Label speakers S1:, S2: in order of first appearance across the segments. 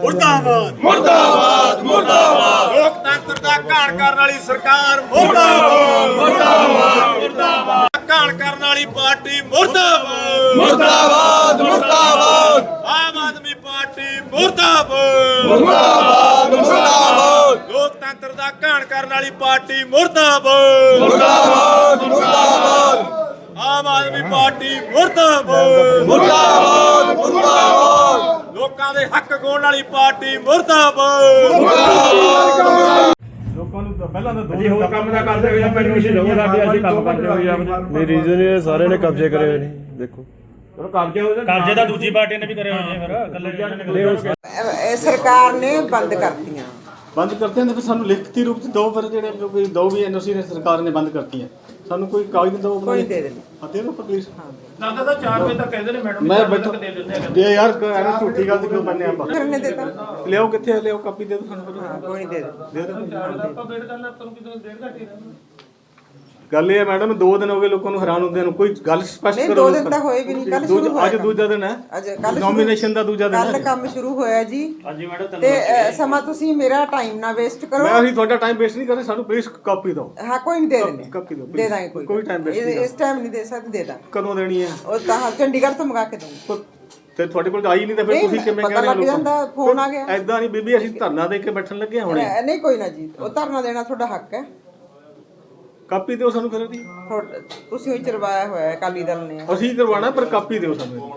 S1: मुर्दाबाद मुर्दाबाद मुर्दाबाद लोकतंत्र का घाण करने वाली सरकार मुर्दाबाद मुर्दाबाद मुर्दाबाद घाण करने वाली पार्टी मुर्दाबाद मुर्दाबाद मुर्दाबाद आम आदमी पार्टी मुर्दाबाद मुर्दाबाद मुर्दाबाद लोकतंत्र का घाण करने वाली पार्टी मुर्दाबाद मुर्दाबाद मुर्दाबाद आम आदमी पार्टी मुर्दाबाद मुर्दाबाद मुर्दाबाद लोकां दे हक गौण वाली पार्टी मुर्दाबाद मुर्दाबाद
S2: ਲੋਕਾਂ ਨੂੰ ਪਹਿਲਾਂ ਤਾਂ ਦੋ ਹੋਰ ਕੰਮ ਦਾ ਕਰਦੇ ਹੋਏ ਪਰਮਿਸ਼ਨ ਲਓ ਸਾਡੇ ਅਸੀਂ ਕੰਮ ਕਰਦੇ ਹੋਏ ਆਪਣੇ
S3: ਨਹੀਂ ਰੀਜ਼ਨ ਇਹ ਸਾਰੇ ਨੇ ਕਬਜ਼ੇ ਕਰੇ ਹੋਏ ਨੇ ਦੇਖੋ
S2: ਚਲੋ ਕਬਜ਼ੇ ਤਾਂ ਦੂਜੀ ਪਾਰਟੀ ਨੇ ਵੀ ਕਰੇ ਹੋਏ ਨੇ ਫਿਰ ਇਕੱਲੇ
S4: ਸਰਕਾਰ ਨੇ ਬੰਦ ਕਰਤੀਆਂ
S5: ਬੰਦ ਕਰਤੇ ਨੇ ਫਿਰ ਸਾਨੂੰ ਲਿਖਤੀ ਰੂਪ ਚ ਦੋ ਫਿਰ ਜਿਹੜੇ ਕੋਈ ਦੋ ਵੀ ਐਨਓਸੀ ਨੇ ਸਰਕਾਰ ਨੇ ਬੰਦ ਕਰਤੀਆਂ ਸਾਨੂੰ ਕੋਈ ਕਾਗਜ਼ ਦਿਓ
S4: ਕੋਈ ਦੇ ਦੇਣੀ
S5: ਦੇ ਦਿਓ ਪਲੀਜ਼
S2: ਲੱਗਦਾ ਤਾਂ 4 ਵਜੇ ਤੱਕ ਕਹਿੰਦੇ ਨੇ ਮੈਡਮ
S5: ਮੈਂ ਬੈਠੋ ਦੇ ਯਾਰ ਐਵੇਂ ਝੂਠੀ ਗੱਲ ਕਿਉਂ ਬੰਨੇ ਆਪਾਂ
S4: ਕਰਨੇ ਦੇਤਾ
S5: ਲਿਆਓ ਕਿੱਥੇ ਲਿਆਓ ਕਾਪੀ ਦੇ ਦਿਓ ਸਾਨੂੰ
S4: ਹਾਂ ਕੋਈ ਨਹੀਂ ਦੇ ਦੇ
S5: ਦੇ ਦਿਓ
S2: ਆਪਾਂ ਵੇਟ ਕਰਨਾ ਤੁਹਾਨੂੰ ਕਿਤੇ ਡੇਢ ਘੰਟੇ ਰਹਿਣਾ
S5: ਗੱਲ ਇਹ ਹੈ ਮੈਡਮ 2 ਦਿਨ ਹੋ ਗਏ ਲੋਕਾਂ ਨੂੰ ਹੈਰਾਨ ਹੁੰਦੇ ਨੂੰ ਕੋਈ ਗੱਲ ਸਪਸ਼ਟ
S4: ਨਹੀਂ
S5: ਕਰੋ
S4: 2 ਦਿਨ ਤਾਂ ਹੋਏ ਵੀ ਨਹੀਂ ਕੱਲ ਸ਼ੁਰੂ ਹੋਇਆ
S5: ਅੱਜ ਦੂਜਾ ਦਿਨ ਹੈ
S4: ਅੱਜ ਕੱਲ
S5: ਨੋਮੀਨੇਸ਼ਨ ਦਾ ਦੂਜਾ ਦਿਨ
S4: ਕੱਲ
S5: ਹੈ
S4: ਕੰਮ ਸ਼ੁਰੂ ਹੋਇਆ ਜੀ
S2: ਹਾਂਜੀ ਮੈਡਮ
S4: ਤੇ ਸਮਾਂ ਤੁਸੀਂ ਮੇਰਾ ਟਾਈਮ ਨਾ ਵੇਸਟ ਕਰੋ
S5: ਮੈਂ ਅਸੀਂ ਤੁਹਾਡਾ ਟਾਈਮ ਵੇਸਟ ਨਹੀਂ ਕਰਦੇ ਸਾਨੂੰ ਪਲੀਜ਼ ਕਾਪੀ ਦਿਓ
S4: ਹਾਂ ਕੋਈ ਨਹੀਂ ਦੇ ਦਿੰਦੇ
S5: ਕਾਪੀ ਦਿਓ
S4: ਦੇ ਦਾਂਗੇ
S5: ਕੋਈ ਟਾਈਮ ਵੇਸਟ ਨਹੀਂ
S4: ਇਸ ਟਾਈਮ ਨਹੀਂ ਦੇ ਸਕਦੇ ਦੇ ਦਾਂ
S5: ਕਦੋਂ ਦੇਣੀ ਹੈ
S4: ਉਹ ਤਾਂ ਚੰਡੀਗੜ੍ਹ ਤੋਂ ਮੰਗਾ ਕੇ ਦੂੰਗੀ
S5: ਤੇ ਤੁਹਾਡੇ ਕੋਲ ਆਈ ਨਹੀਂ ਤਾਂ ਫਿਰ ਤੁਸੀਂ ਕਿਵੇਂ
S4: ਪਤਾ ਲੱਗ ਜਾਂਦਾ ਫੋਨ ਆ ਗਿਆ
S5: ਐਦਾਂ ਨਹੀਂ ਬੀਬੀ ਅਸੀਂ ਧਰਨਾ ਦੇ ਕੇ ਬੈਠਣ ਲੱਗੇ ਹੁਣੇ
S4: ਨਹੀਂ ਕੋਈ ਨਾ ਜੀ ਉਹ ਧਰਨਾ ਦੇਣਾ ਤੁਹਾਡਾ ਹੱਕ ਹੈ
S5: ਕਾਪੀ ਦਿਓ ਸਾਨੂੰ ਫਿਰ ਉਹਦੀ
S4: ਤੁਸੀਂ ਹੀ ਚਰਵਾਇਆ ਹੋਇਆ ਹੈ ਅਕਾਲੀ ਦਲ ਨੇ
S5: ਅਸੀਂ ਕਰਵਾਉਣਾ ਪਰ ਕਾਪੀ ਦਿਓ ਸਾਨੂੰ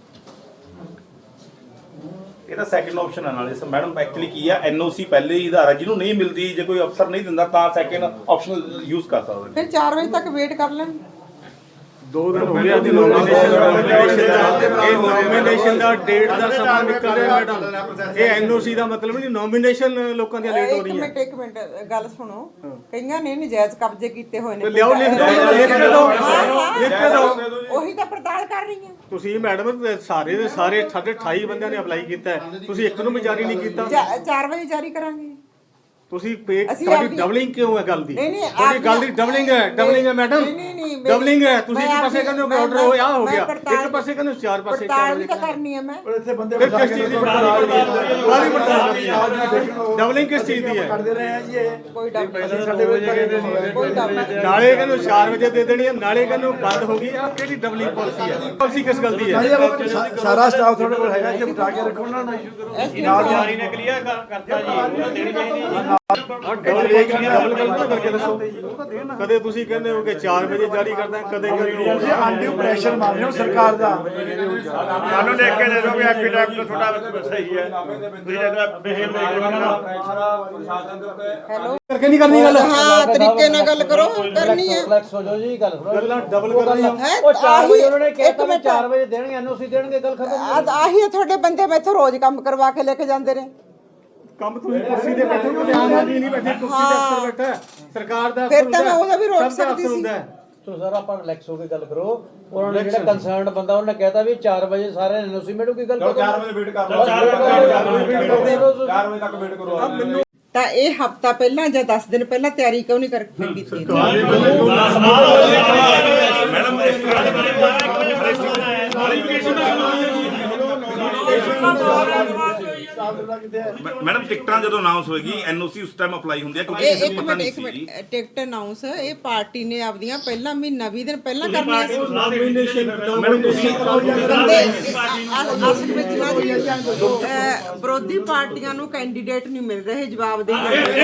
S6: ਇਹਦਾ ਸੈਕੰਡ ਆਪਸ਼ਨ ਹੈ ਨਾਲੇ ਮੈਡਮ ਐਕਚੁਅਲੀ ਕੀ ਆ ਐਨਓਸੀ ਪਹਿਲੇ ਹੀ ਆਧਾਰ ਹੈ ਜਿਹਨੂੰ ਨਹੀਂ ਮਿਲਦੀ ਜੇ ਕੋਈ ਅਫਸਰ ਨਹੀਂ ਦਿੰਦਾ ਤਾਂ ਸੈਕੰਡ ਆਪਸ਼ਨ ਯੂਜ਼ ਕਰ ਸਕਦੇ
S4: ਫਿਰ 4 ਵਜੇ ਤੱਕ ਵੇਟ ਕਰ ਲੈਣ
S5: 2 ਦਿਨ ਹੋ ਗਏ ਅੱਜ ਨੋਮੀਨੇਸ਼ਨ ਦਾ ਡੇਟ ਦਾ ਸਮਾਂ ਨਿਕਲ ਰਿਹਾ ਮੈਡਮ ਇਹ ਐਨਓਸੀ ਦਾ ਮਤਲਬ ਨਹੀਂ ਨੋਮੀਨੇਸ਼ਨ ਲੋਕਾਂ ਦੀਆਂ ਲੇਟ ਹੋ ਰਹੀਆਂ
S4: ਇੱਕ ਮਿੰਟ ਗੱਲ ਸੁਣੋ ਕਈਆਂ ਨੇ ਨਜਾਇਜ਼ ਕਬਜ਼ੇ ਕੀਤੇ ਹੋਏ ਨੇ
S5: ਲਿਆਓ ਲਿਖ ਕੇ ਦਿਓ
S4: ਉਹੀ ਤਾਂ ਪੜਤਾਲ ਕਰ ਰਹੀ ਹਾਂ
S5: ਤੁਸੀਂ ਮੈਡਮ ਸਾਰੇ ਦੇ ਸਾਰੇ ਸਾਡੇ 28 ਬੰਦਿਆਂ ਨੇ ਅਪਲਾਈ ਕੀਤਾ ਹੈ ਤੁਸੀਂ ਇੱਕ ਨੂੰ ਵੀ ਜਾਰੀ ਨਹੀਂ ਕੀਤਾ
S4: 4 ਵਜੇ ਜਾਰੀ ਕਰਾਂਗੇ
S5: ਤੁਸੀਂ ਤੁਹਾਡੀ ਡਬਲਿੰਗ ਕਿਉਂ ਹੈ ਗੱਲ ਦੀ ਤੁਹਾਡੀ ਗੱਲ ਦੀ ਡਬਲਿੰਗ ਹੈ ਮੈਡਮ ਡਬਲਿੰਗ ਹੈ ਤੁਸੀਂ ਇੱਕ ਪਾਸੇ ਕਹਿੰਦੇ ਹੋ ਆਰਡਰ ਹੋਇਆ ਹੋ ਗਿਆ ਇੱਕ ਪਾਸੇ ਕਹਿੰਦੇ 4 ਪਾਸੇ
S4: ਪੜਤਾਲ ਤਾਂ ਕਰਨੀ ਹੈ ਮੈਂ
S5: ਇੱਥੇ ਬੰਦੇ ਕਿਸ ਚੀਜ਼ ਦੀ ਡਬਲਿੰਗ ਕਿਸ ਚੀਜ਼ ਦੀ ਹੈ
S4: ਕਰਦੇ ਰਹੇ ਆ ਜੀ ਇਹ ਕੋਈ
S5: ਨਾਲੇ ਕਹਿੰਦੇ 4 ਵਜੇ ਦੇ ਦੇਣੀ ਹੈ ਨਾਲੇ ਕਹਿੰਦੇ ਬੰਦ ਹੋ ਗਈ ਆ ਕਿਹੜੀ ਡਬਲਿੰਗ ਪਾਲਿਸੀ ਹੈ ਪਾਲਿਸੀ ਕਿਸ ਗੱਲ ਦੀ ਹੈ
S3: ਸਾਰਾ ਸਟਾਫ ਤੁਹਾਡੇ ਕੋਲ ਹੈਗਾ ਕਿ ਬਿਠਾ ਕੇ ਰੱਖੋ ਉਹਨਾਂ ਨੂੰ
S2: ਨਾਲ ਜਾਰੀ ਨੇ ਕਲੀਅਰ ਕਰਤਾ ਜੀ ਉਹਨਾਂ ਦੇਣੀ ਚਾਹੀਦੀ
S5: ਡਬਲ ਕਰਕੇ ਦੱਸੋ ਕਦੇ ਤੁਸੀਂ ਕਹਿੰਦੇ ਹੋ ਕਿ 4 ਵਜੇ ਜਾਰੀ ਕਰਦਾ ਕਦੇ
S3: ਤੁਸੀਂ ਆਂਟੀ ਪ੍ਰੈਸ਼ਰ ਮਾਰ ਰਹੇ ਹੋ ਸਰਕਾਰ ਦਾ
S2: ਸਾਨੂੰ ਲਿਖ ਕੇ ਦੇ ਦਿਓ ਵੀ ਐਪੀਡੈਪ ਤੁਹਾਡਾ ਸਹੀ ਹੈ ਤੁਸੀਂ ਇਹਦਾ ਬਿਹੇਵ
S4: ਹੈਲੋ
S5: ਕਰਕੇ ਨਹੀਂ ਕਰਨੀ ਗੱਲ
S4: ਹਾਂ ਤਰੀਕੇ ਨਾਲ ਗੱਲ ਕਰੋ ਕਰਨੀ ਹੈ
S3: ਰਿਲੈਕਸ ਹੋ ਜਾਓ ਜੀ ਗੱਲ
S5: ਗੱਲਾਂ ਡਬਲ ਕਰ ਰਹੀ
S3: ਉਹ 4 ਵਜੇ ਉਹਨਾਂ ਨੇ ਕਹਿਤਾ ਮੈਂ 4 ਵਜੇ ਦੇਣਗੇ ਐਨਓਸੀ ਦੇਣਗੇ ਗੱਲ ਖਤਮ
S4: ਆਹੀ ਤੁਹਾਡੇ ਬੰਦੇ ਮੈਥੋਂ ਰੋਜ਼ ਕੰਮ ਕਰਵਾ ਕੇ ਲੈ ਕੇ ਜਾਂਦੇ ਨੇ
S5: ਕੰਮ ਤੁਸੀਂ ਕੁਰਸੀ ਤੇ ਬੈਠੇ ਹੋ ਧਿਆਨ ਨਾਲ ਨਹੀਂ ਬੈਠੇ ਕੁਰਸੀ ਦੇ ਉੱਪਰ ਬੈਠਾ ਸਰਕਾਰ ਦਾ
S4: ਫਿਰ ਤਾਂ ਮੈਂ ਉਹਦਾ ਵੀ ਰੋਕ ਸਕਦੀ ਸੀ
S3: ਸੋ ਸਰ ਆਪਾਂ ਰਿਲੈਕਸ ਹੋ ਕੇ ਗੱਲ ਕਰੋ ਉਹਨਾਂ ਨੇ ਜਿਹੜਾ ਕੰਸਰਨਡ ਬੰਦਾ ਉਹਨੇ ਕਹਿਤਾ ਵੀ 4 ਵਜੇ ਸਾਰੇ ਐਨਓਸੀ ਮਿਲੂਗੀ ਗੱਲ
S6: 4 ਵਜੇ ਵੇਟ ਕਰ ਲਓ 4 ਵਜੇ ਤੱਕ ਵੇਟ ਕਰੋ
S4: ਤਾਂ ਇਹ ਹਫਤਾ ਪਹਿਲਾਂ ਜਾਂ 10 ਦਿਨ ਪਹਿਲਾਂ ਤਿਆਰੀ ਕਿਉਂ ਨਹੀਂ ਕਰਕੇ ਕੀਤੀ
S6: ਮੈਡਮ ਟਿਕਟਾਂ ਜਦੋਂ ਅਨਾਉਂਸ ਹੋਏਗੀ ਐਨਓਸੀ ਉਸ ਟਾਈਮ ਅਪਲਾਈ ਹੁੰਦੀ ਹੈ ਕਿਉਂਕਿ ਕਿਸੇ ਨੂੰ ਪਤਾ ਨਹੀਂ ਸੀ
S4: ਟਿਕਟ ਅਨਾਉਂਸ ਇਹ ਪਾਰਟੀ ਨੇ ਆਪਦੀਆਂ ਪਹਿਲਾਂ ਮਹੀਨਾ 20 ਦਿਨ ਪਹਿਲਾਂ ਕਰਨੀਆਂ ਸੀ
S6: ਮੈਡਮ ਤੁਸੀਂ
S4: ਅਸਲ ਵਿੱਚ ਨਾ ਜੀ ਵਿਰੋਧੀ ਪਾਰਟੀਆਂ ਨੂੰ ਕੈਂਡੀਡੇਟ ਨਹੀਂ ਮਿਲ ਰਹੇ ਜਵਾਬ ਦੇ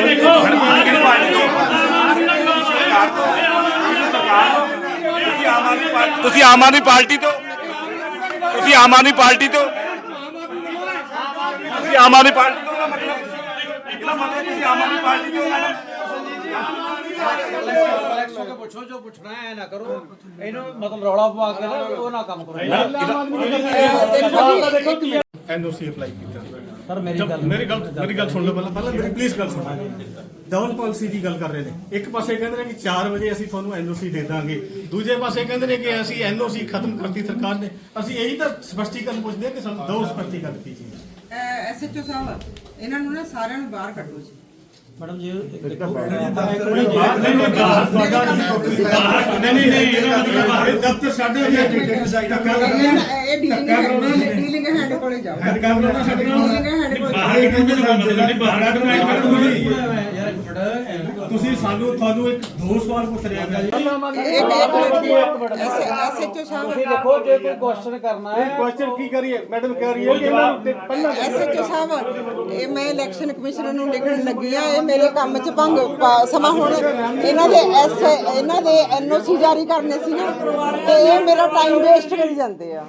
S6: ਤੁਸੀਂ ਆਮ ਆਦਮੀ ਪਾਰਟੀ ਤੋਂ ਤੁਸੀਂ ਆਮ ਆਦਮੀ ਪਾਰਟੀ ਤੋਂ ਤੁਸੀਂ ਆਮ ਆਦਮੀ ਪਾਰਟੀ ਤੋਂ ਦਾ ਮਤਲਬ ਇਹਦਾ ਮਤਲਬ ਤੁਸੀਂ ਆਮ ਆਦਮੀ ਪਾਰਟੀ ਤੋਂ
S3: ਰਿਲੈਕਸ ਹੋ ਕੇ ਪੁੱਛੋ ਜੋ ਪੁੱਛਣਾ ਹੈ ਨਾ ਕਰੋ ਇਹਨੂੰ ਮਤਲਬ ਰੌਲਾ ਪਵਾ ਕੇ ਉਹ ਨਾ ਕੰਮ ਕਰੋ
S5: ਐਨਓਸੀ ਅਪਲਾਈ ਕੀਤਾ
S3: ਸਰ
S5: ਮੇਰੀ ਗੱਲ ਸੁਣ ਲਓ ਪਹਿਲਾਂ ਮੇਰੀ ਪਲੀਜ਼ ਗੱਲ ਸੁਣੋ ਡਬਲ ਪਾਲਿਸੀ ਦੀ ਗੱਲ ਕਰ ਰਹੇ ਨੇ ਇੱਕ ਪਾਸੇ ਕਹਿੰਦੇ ਨੇ ਕਿ 4 ਵਜੇ ਅਸੀਂ ਤੁਹਾਨੂੰ ਐਨਓਸੀ ਦੇ ਦਾਂਗੇ ਦੂਜੇ ਪਾਸੇ ਕਹਿੰਦੇ ਨੇ ਕਿ ਅਸੀਂ ਐਨਓਸੀ ਖਤਮ ਕਰਤੀ ਸਰਕਾਰ ਨੇ ਅਸੀਂ ਇਹੀ ਤਾਂ ਸਪਸ਼ਟੀਕਰਨ ਪੁੱਛਦੇ ਕਿ ਸਾਨੂੰ ਦੋ ਸਪਸ਼ਟੀਕਰਨ ਕੀ ਚੀਜ਼
S4: ਐਸਐਚਓ ਸਾਹਿਬ ਇਹਨਾਂ ਨੂੰ ਨਾ ਸਾਰਿਆਂ ਨੂੰ ਬਾਹਰ ਕੱਢੋ ਜੀ
S3: ਮੈਡਮ ਜੀ
S5: ਨਹੀਂ ਦਫ਼ਤਰ ਸਾਡੇ
S4: ਇਹ ਡੀਲਿੰਗ ਹੈਡ ਕੋਲੇ ਜਾਓ ਡੀਲਿੰਗ ਹੈਡ ਕੋਲੇ
S5: ਪਾਰਟੀ ਕਹਿੰਦੇ ਤੁਸੀਂ ਤੁਹਾਨੂੰ ਇੱਕ ਦੋ ਸਵਾਲ ਪੁੱਛ ਰਿਹਾ ਜੀ
S4: ਐਸਐਚਓ ਸਾਹਿਬ
S3: ਤੁਸੀਂ ਦੇਖੋ ਜੇ ਕੋਈ ਕੁਐਸਚਨ ਕਰਨਾ ਹੈ
S2: ਕੁਐਸਚਨ ਕੀ ਕਰੀਏ ਮੈਡਮ ਕਹਿ ਰਹੀ ਹੈ ਕਿ ਇਹਨਾਂ ਨੂੰ ਪਹਿਲਾਂ
S4: ਐਸਐਚਓ ਸਾਹਿਬ ਇਹ ਮੈਂ ਇਲੈਕਸ਼ਨ ਕਮਿਸ਼ਨਰ ਨੂੰ ਲਿਖਣ ਲੱਗੀ ਆ ਇਹ ਮੇਰੇ ਕੰਮ 'ਚ ਭੰਗ ਸਮਾਂ ਹੁਣ ਇਹਨਾਂ ਦੇ ਐਨਓਸੀ ਜਾਰੀ ਕਰਨੇ ਸੀ ਨਾ ਤੇ ਇਹ ਮੇਰਾ ਟਾਈਮ ਵੇਸਟ ਕਰੀ ਜਾਂਦੇ ਆ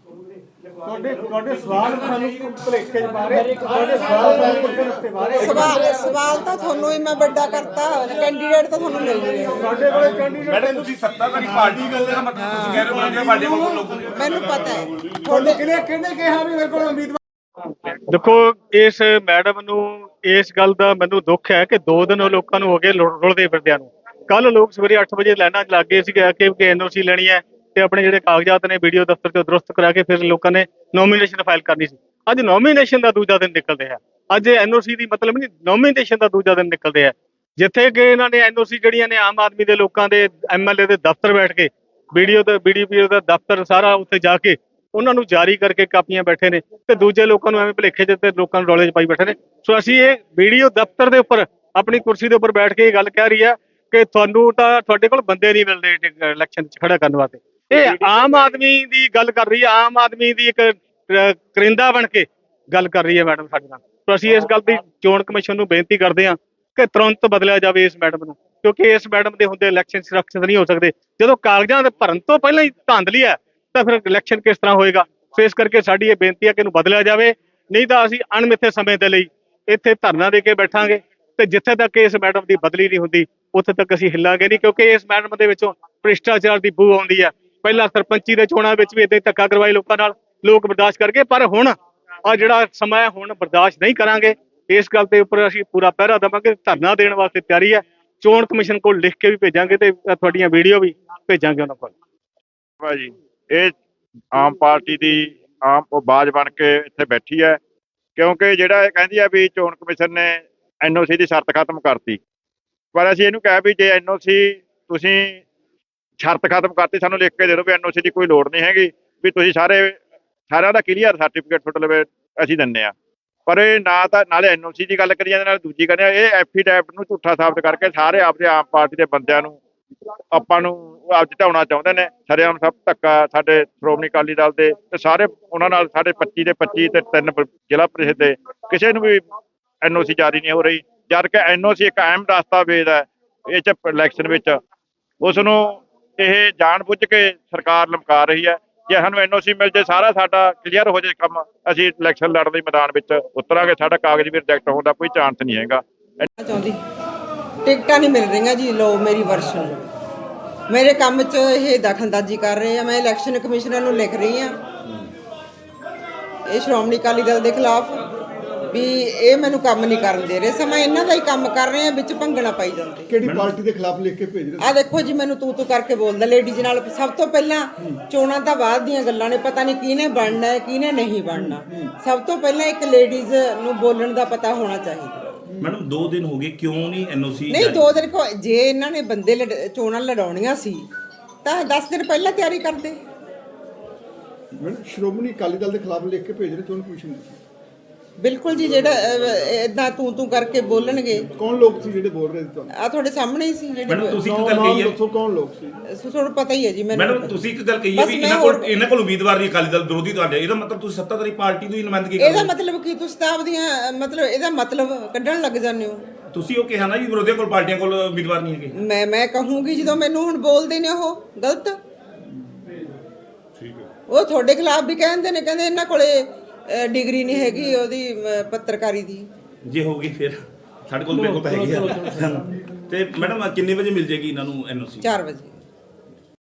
S2: ਤੁਹਾਡੇ ਸਵਾਲ ਸਾਨੂੰ ਭੁਲੇਖੇ ਚ ਬਾਰੇ ਤੁਹਾਡੇ ਸਵਾਲ ਪੁੱਛਣ ਬਾਰੇ
S4: ਸਵਾਲ ਤਾਂ ਤੁਹਾਨੂੰ ਹੀ ਮੈਂ ਵੱਡਾ ਕਰਤਾ ਕੈਂਡੀਡੇਟ ਤਾਂ ਤੁਹਾਨੂੰ ਮਿਲ ਨਹੀਂ ਰਿਹਾ
S2: ਸਾਡੇ ਕੋਲੇ ਕੈਂਡੀਡੇਟ
S6: ਮੈਡਮ ਤੁਸੀਂ ਸੱਤਾਧਾਰੀ ਪਾਰਟੀ ਗੱਲ ਦਾ ਮਤਲਬ ਤੁਸੀਂ ਕਹਿ ਰਹੇ ਹੋ ਕਿ ਸਾਡੇ ਕੋਲ ਲੋਕ
S4: ਮੈਨੂੰ ਪਤਾ ਹੈ
S2: ਤੁਹਾਡੇ ਕਿਹਨੇ ਕਿਹਾ ਵੀ ਮੇਰੇ ਕੋਲ ਉਮੀਦਵਾਰ
S5: ਦੇਖੋ ਇਸ ਮੈਡਮ ਨੂੰ ਇਸ ਗੱਲ ਦਾ ਮੈਨੂੰ ਦੁੱਖ ਹੈ ਕਿ 2 ਦਿਨ ਲੋਕਾਂ ਨੂੰ ਹੋ ਗਏ ਰੁਲਦੇ ਫਿਰਦਿਆਂ ਨੂੰ। ਕੱਲ ਲੋਕ ਸਵੇਰੇ 8 ਵਜੇ ਲਾਈਨਾਂ 'ਚ ਲੱਗ ਗਏ ਸੀਗੇ ਕਿ ਐਨਓਸੀ ਲੈਣੀ ਹੈ ਤੇ ਆਪਣੇ ਜਿਹੜੇ ਕਾਗਜ਼ਾਤ ਨੇ ਵੀਡੀਓ ਦਫ਼ਤਰ 'ਚੋਂ ਦਰੁਸਤ ਕਰਾ ਕੇ ਫਿਰ ਲੋਕਾਂ ਨੇ ਨੋਮੀਨੇਸ਼ਨ ਫਾਈਲ ਕਰਨੀ ਸੀ। ਅੱਜ ਨੋਮੀਨੇਸ਼ਨ ਦਾ ਦੂਜਾ ਦਿਨ ਨਿਕਲ ਰਿਹਾ। ਅੱਜ ਐਨਓਸੀ ਦੀ ਮਤਲਬ ਨਹੀਂ, ਨੋਮੀਨੇਸ਼ਨ ਦਾ ਦੂਜਾ ਦਿਨ ਨਿਕਲ ਰਿਹਾ, ਜਿੱਥੇ ਕਿ ਇਹਨਾਂ ਨੇ ਐਨਓਸੀ ਜਿਹੜੀਆਂ ਨੇ ਆਮ ਆਦਮੀ ਦੇ ਲੋਕਾਂ ਦੇ ਐਮਐਲਏ ਦੇ ਦਫ਼ਤਰ ਬੈਠ ਕੇ ਵੀਡੀਓ ਤੇ BDPO ਦਾ ਦਫ਼ਤਰ ਸਾਰਾ ਉੱਥੇ ਜਾ ਕੇ ਉਹਨਾਂ ਨੂੰ ਜਾਰੀ ਕਰਕੇ ਕਾਪੀਆਂ ਬੈਠੇ ਨੇ ਤੇ ਦੂਜੇ ਲੋਕਾਂ ਨੂੰ ਐਵੇਂ ਭੁਲੇਖੇ 'ਚ ਤੇ ਲੋਕਾਂ ਨੂੰ ਰੌਲੇ 'ਚ ਪਾਈ ਬੈਠੇ ਨੇ। ਸੋ ਅਸੀਂ ਇਹ ਵੀਡੀਓ ਦਫ਼ਤਰ ਦੇ ਉੱਪਰ ਆਪਣੀ ਕੁਰਸੀ ਦੇ ਉੱਪਰ ਬੈਠ ਕੇ ਇਹ ਗੱਲ ਕਹਿ ਰਹੀ ਆ ਕਿ ਤੁਹਾਨੂੰ ਤਾਂ ਤੁਹਾਡੇ ਕੋਲ ਬੰਦੇ ਨਹੀਂ ਮਿਲਦੇ ਇਲੈਕਸ਼ਨ 'ਚ ਖੜਾ ਕਰਨ ਵਾਸਤੇ। ਇਹ ਆਮ ਆਦਮੀ ਦੀ ਗੱਲ ਕਰ ਰਹੀ ਹੈ, ਆਮ ਆਦਮੀ ਦੀ ਇੱਕ ਕਰਿੰਦਾ ਬਣ ਕੇ ਗੱਲ ਕਰ ਰਹੀ ਹੈ ਮੈਡਮ ਸਾਡੇ ਨਾਲ। ਸੋ ਅਸੀਂ ਇਸ ਗੱਲ ਦੀ ਚੋਣ ਕਮਿਸ਼ਨ ਨੂੰ ਬੇਨਤੀ ਕਰਦੇ ਹਾਂ ਕਿ ਤੁਰੰਤ ਬਦਲਿਆ ਜਾਵੇ ਇਸ ਮੈਡਮ ਨੂੰ, ਕਿਉਂਕਿ ਇਸ ਮੈਡਮ ਦੇ ਹੁੰਦੇ ਇਲੈਕਸ਼ਨ ਸੁਰੱਖਿਅਤ ਨਹੀਂ ਹੋ ਸਕਦੇ। ਜਦੋਂ ਕਾਗਜ਼ਾਂ ਦੇ ਭਰਨ ਤੋਂ ਪਹਿਲਾਂ ਹੀ ਧਾਂਦਲੀ ਹੈ ਤਾਂ ਫਿਰ ਇਲੈਕਸ਼ਨ ਕਿਸ ਤਰ੍ਹਾਂ ਹੋਏਗਾ। ਸੋ ਇਸ ਕਰਕੇ ਸਾਡੀ ਇਹ ਬੇਨਤੀ ਹੈ ਕਿ ਇਹਨੂੰ ਬਦਲਿਆ ਜਾਵੇ, ਨਹੀਂ ਤਾਂ ਅਸੀਂ ਅਣਮਿੱਥੇ ਸਮੇਂ ਦੇ ਲਈ ਇੱਥੇ ਧਰਨਾ ਦੇ ਕੇ ਬੈਠਾਂਗੇ ਤੇ ਜਿੱਥੇ ਤੱਕ ਇਸ ਮੈਡਮ ਦੀ ਬਦਲੀ ਨਹੀਂ ਹੁੰਦੀ ਉੱਥੇ ਤੱਕ ਅਸੀਂ ਹਿੱਲਾਂਗੇ ਨਹੀਂ, ਕਿਉਂਕਿ ਇਸ ਮੈਡਮ ਦੇ ਵਿੱਚੋਂ ਭ੍ਰਿਸ਼ਟਾਚਾਰ ਦੀ ਬੂ ਆਉਂਦੀ ਹੈ। ਪਹਿਲਾਂ ਸਰਪੰਚੀ ਦੇ ਚੋਣਾਂ ਵਿੱਚ ਵੀ ਇਦਾਂ ਧੱਕਾ ਕਰਵਾਏ ਲੋਕਾਂ ਨਾਲ, ਲੋਕ ਬਰਦਾਸ਼ਤ ਕਰਕੇ, ਪਰ ਹੁਣ ਆ ਜਿਹੜਾ ਸਮਾਂ ਹੈ ਹੁਣ ਬਰਦਾਸ਼ਤ ਨਹੀਂ ਕਰਾਂਗੇ। ਇਸ ਗੱਲ ਦੇ ਉੱਪਰ ਅਸੀਂ ਪੂਰਾ ਪਹਿਰਾ ਦੇਵਾਂਗੇ, ਧਰਨਾ ਦੇਣ ਵਾਸਤੇ ਤਿਆਰੀ ਹੈ। ਚੋਣ ਕਮਿਸ਼ਨ ਕੋਲ ਲਿਖ ਕੇ ਵੀ ਭੇਜਾਂਗੇ ਤੇ ਤੁਹਾਡੀਆਂ ਵੀਡੀਓ ਵੀ ਭੇਜਾਂਗੇ ਉਹਨਾਂ ਕੋਲ।
S2: ਭਾਜੀ ਇਹ ਆਮ ਪਾਰਟੀ ਦੀ ਆਮ ਆਵਾਜ਼ ਬਣ ਕੇ ਇੱਥੇ ਬੈਠੀ ਹੈ, ਕਿਉਂਕਿ ਜਿਹੜਾ ਇਹ ਕਹਿੰਦੀ ਹੈ ਵੀ ਚੋਣ ਕਮਿਸ਼ਨ ਨੇ ਐਨਓਸੀ ਦੀ ਸ਼ਰਤ ਖਤਮ ਕਰਤੀ, ਪਰ ਅਸੀਂ ਇਹਨੂੰ ਕਿਹਾ ਵੀ ਜੇ ਐਨਓਸੀ ਤੁਸੀਂ ਸ਼ਰਤ ਖਤਮ ਕਰਤੀ ਸਾਨੂੰ ਲਿਖ ਕੇ ਦੇ ਦਿਓ ਵੀ ਐਨਓਸੀ ਦੀ ਕੋਈ ਲੋੜ ਨਹੀਂ ਹੈਗੀ, ਵੀ ਤੁਸੀਂ ਸਾਰਿਆਂ ਦਾ ਕਲੀਅਰ ਸਰਟੀਫਿਕੇਟ ਤੁਹਾਡੇ ਲਵੇ ਅਸੀਂ ਦਿੰਦੇ ਆ। ਪਰ ਇਹ ਨਾ ਤਾਂ ਨਾਲੇ ਐਨਓਸੀ ਦੀ ਗੱਲ ਕਰੀ ਜਾਂਦੇ ਨਾਲ ਦੂਜੀ ਕਹਿੰਦੇ ਆ ਇਹ ਐਫੀਡੈਵਿਟ ਨੂੰ ਝੂਠਾ ਸਾਬਤ ਕਰਕੇ ਸਾਰੇ ਆਪਦੇ ਆਮ ਪਾਰਟੀ ਦੇ ਬੰਦਿਆਂ ਨੂੰ ਆਪਾਂ ਨੂੰ ਆਪ ਜਿਤਾਉਣਾ ਚਾਹੁੰਦੇ ਨੇ। ਸਰੇਆਮ ਸਭ ਧੱਕਾ ਸਾਡੇ ਸ਼੍ਰੋਮਣੀ ਅਕਾਲੀ ਦਲ ਦੇ ਤੇ ਸਾਰੇ ਉਹਨਾਂ ਨਾਲ ਸਾਡੇ 25 ਦੇ 25 ਤੇ 3 ਜ਼ਿਲ੍ਹਾ ਪ੍ਰੀਸ਼ਦ ਦੇ ਕਿਸੇ ਨੂੰ ਵੀ ਐਨਓਸੀ ਜਾਰੀ ਨਹੀਂ ਹੋ ਰਹੀ, ਜਦ ਕਿ ਐਨਓਸੀ ਇੱਕ ਅਹਿਮ ਦਸਤਾਵੇਜ਼ ਹੈ ਇਹ 'ਚ ਇਲੈਕਸ਼ਨ ਵਿੱਚ। ਉਸ ਨੂੰ ਇਹ ਜਾਣ ਬੁੱਝ ਕੇ ਸਰਕਾਰ ਲਮਕਾ ਰਹੀ ਹੈ। ਜੇ ਸਾਨੂੰ ਐਨਓਸੀ ਮਿਲ ਜੇ ਸਾਰਾ ਸਾਡਾ ਕਲੀਅਰ ਹੋ ਜੇ ਕੰਮ, ਅਸੀਂ ਇਲੈਕਸ਼ਨ ਲੜਨ ਦੇ ਮੈਦਾਨ ਵਿੱਚ ਉਤਰਾਂਗੇ। ਸਾਡਾ ਕਾਗਜ਼ ਵੀ ਰਿਜੈਕਟ ਹੋਣ ਦਾ ਕੋਈ ਚਾਂਸ ਨਹੀਂ ਹੈਗਾ।
S4: ਚਾਹੁੰਦੀ ਟਿਕਟਾਂ ਨਹੀਂ ਮਿਲ ਰਹੀਆਂ ਜੀ, ਲੋ ਮੇਰੀ ਵਰਸ਼ਨ ਮੇਰੇ ਕੰਮ 'ਚ ਇਹ ਦਖਲਅੰਦਾਜ਼ੀ ਕਰ ਰਹੇ ਆ। ਮੈਂ ਇਲੈਕਸ਼ਨ ਕਮਿਸ਼ਨਰ ਨੂੰ ਲਿਖ ਰਹੀ ਆ ਇਹ ਸ਼੍ਰੋਮਣੀ ਅਕਾਲੀ ਦਲ ਦੇ ਖਿਲਾਫ ਵੀ ਇਹ ਮੈਨੂੰ ਕੰਮ ਨਹੀਂ ਕਰਨ ਦੇ ਰਹੇ, ਸਮਾਂ ਇਹਨਾਂ ਦਾ ਹੀ ਕੰਮ ਕਰ ਰਹੇ ਆ, ਵਿੱਚ ਭੰਗਣਾ ਪਾਈ ਜਾਂਦੇ।
S7: ਕਿਹੜੀ ਪਾਰਟੀ ਦੇ ਖਿਲਾਫ ਲਿਖ ਕੇ ਭੇਜ ਰਹੇ?
S4: ਆ ਦੇਖੋ ਜੀ ਮੈਨੂੰ ਤੂੰ ਕਰਕੇ ਬੋਲਦਾ ਲੇਡੀਜ਼ ਨਾਲ। ਸਭ ਤੋਂ ਪਹਿਲਾਂ ਚੋਣਾਂ ਤਾਂ ਬਾਅਦ ਦੀਆਂ ਗੱਲਾਂ ਨੇ, ਪਤਾ ਨਹੀਂ ਕਿਹਨੇ ਬਣਨਾ ਹੈ ਕਿਹਨੇ ਨਹੀਂ ਬਣਨਾ। ਸਭ ਤੋਂ ਪਹਿਲਾਂ ਇੱਕ ਲੇਡੀਜ਼ ਨੂੰ ਬੋਲਣ ਦਾ ਪਤਾ ਹੋਣਾ ਚਾਹੀਦਾ।
S6: ਮੈਡਮ 2 ਦਿਨ ਹੋ ਗਏ, ਕਿਉਂ ਨਹੀਂ ਐਨਓਸੀ?
S4: ਨਹੀਂ 2 ਦਿਨ ਜੇ ਇਹਨਾਂ ਨੇ ਬੰਦੇ ਚੋਣਾਂ ਲੜਾਉਣੀਆਂ ਸੀ ਤਾਂ 10 ਦਿਨ ਪਹਿਲਾਂ ਤਿਆਰੀ ਕਰਦੇ।
S7: ਮੈਡਮ ਸ਼੍ਰੋਮਣੀ ਅਕਾਲੀ ਦਲ ਦੇ ਖਿਲਾਫ ਲਿਖ ਕੇ ਭੇਜ ਰਹੇ ਚੋਣ ਕਮਿਸ਼ਨ ਨੂੰ?
S4: ਬਿਲਕੁਲ ਜੀ, ਜਿਹੜਾ ਇਦਾਂ ਤੂੰ ਕਰਕੇ ਬੋਲਣਗੇ।
S7: ਕੌਣ ਲੋਕ ਸੀ ਜਿਹੜੇ ਬੋਲ ਰਹੇ ਸੀ ਤੁਹਾਨੂੰ?
S4: ਆ ਤੁਹਾਡੇ ਸਾਹਮਣੇ ਹੀ ਸੀ ਜਿਹੜੇ।
S6: ਮੈਡਮ ਤੁਸੀਂ ਇੱਕ ਗੱਲ ਕਹੀ ਹੈ,
S7: ਦੱਸੋ ਕੌਣ ਲੋਕ ਸੀ?
S4: ਤੁਹਾਨੂੰ ਪਤਾ ਹੀ ਹੈ ਜੀ ਮੈਨੂੰ।
S6: ਮੈਡਮ ਤੁਸੀਂ ਇੱਕ ਗੱਲ ਕਹੀ ਹੈ ਵੀ ਇਹਨਾਂ ਕੋਲ ਉਮੀਦਵਾਰ ਨਹੀਂ ਅਕਾਲੀ ਦਲ ਵਿਰੋਧੀ ਤੁਹਾਡੇ, ਇਹਦਾ ਮਤਲਬ ਤੁਸੀਂ ਸੱਤਾਧਾਰੀ ਪਾਰਟੀ ਦੀ ਨੁਮਾਇੰਦਗੀ ਕਰ ਰਹੇ ਹੋ।
S4: ਇਹਦਾ ਮਤਲਬ ਕੀ ਤੁਸੀਂ ਤਾਂ ਆਪਦੀਆਂ ਮਤਲਬ ਇਹਦਾ ਮਤਲਬ ਕੱਢਣ ਲੱਗ ਜਾਂਦੇ ਹੋ।
S6: ਤੁਸੀਂ ਉਹ ਕਿਹਾ ਨਾ ਜੀ ਵਿਰੋਧੀਆਂ ਕੋਲ ਪਾਰਟੀਆਂ ਕੋਲ ਉਮੀਦਵਾਰ ਨਹੀਂ ਹੈਗੇ।
S4: ਮੈਂ ਕਹੂੰਗੀ ਜਦੋਂ ਮੈਨੂੰ ਹੁਣ ਬੋਲਦੇ ਨੇ ਉਹ ਗਲਤ। ਉਹ ਤੁਹਾਡੇ ਖਿਲਾਫ ਵੀ ਕਹਿੰਦੇ ਨੇ, ਕਹਿੰਦੇ ਇਹਨਾਂ ਕੋਲੇ ਡਿਗਰੀ ਨਹੀਂ ਹੈਗੀ ਉਹਦੀ ਪੱਤਰਕਾਰੀ ਦੀ।
S6: ਜੇ ਹੋਊਗੀ ਫਿਰ ਸਾਡੇ ਕੋਲ ਮੇਰੇ ਕੋਲ ਤਾਂ ਹੈਗੀ ਆ। ਤੇ ਮੈਡਮ ਕਿੰਨੇ ਵਜੇ ਮਿਲ ਜੇਗੀ ਇਹਨਾਂ ਨੂੰ ਐਨਓਸੀ?
S4: 4 ਵਜੇ।